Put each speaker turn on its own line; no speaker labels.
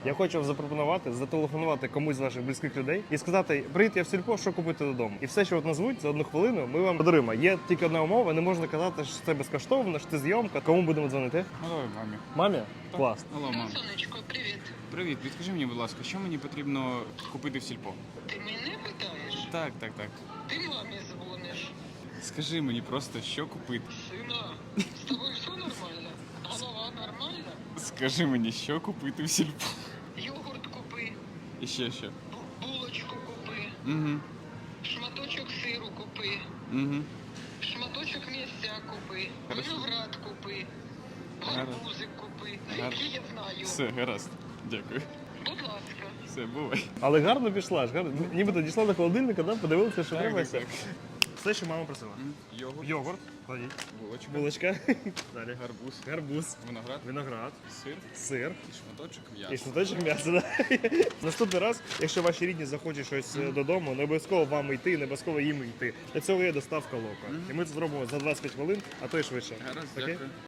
Я хочу вам запропонувати зателефонувати комусь з ваших близьких людей і сказати: привіт, я в сільпо, що купити додому. І все, що от назвуть за 1 хвилину, ми вам подаруємо. Є тільки одна умова, не можна казати, що це безкоштовно, що це зйомка. Кому будемо дзвонити?
Ну, давай мамі.
Мамі? Клас.
Алло, мам.
Сонечко, привіт.
Привіт, підкажи мені, будь ласка, що мені потрібно купити в сільпо?
Ти мене питаєш?
Так.
Ти мамі дзвониш.
Скажи мені просто, що купити.
Сина, з тобою все нормально? Голова нормальна?
Скажи мені, що купити в сільпо.
Йогурт купи,
І ще що.
булочку купи,
Угу.
шматочок сиру купи,
Угу.
шматочок м'ясця купи,
Хорошо.
виноград купи,
Гаразд.
гарбузик купи.
Гаразд.
Які я знаю.
Все, гаразд. Дякую.
Будь ласка.
Все, бувай.
Але гарно пішла ж, гарно. Нібито дійшла до холодильника, да? Подивилися, що треба. і все.
Так.
Все, що мама просила.
Йогурт,
Йогурт, кладіть.
булочка,
Булочка. Далі.
гарбуз,
Гарбуз.
виноград,
Виноград.
сир
Сир.
і шматочок
І
м'яса.
шматочок м'яса. Да? Наступний раз, якщо ваші рідні захочуть щось додому, не обов'язково вам йти, не обов'язково їм йти. Для цього є доставка лока. І ми це зробимо за 25 хвилин, а то й швидше.
Гаразд,
Окей?
дякую.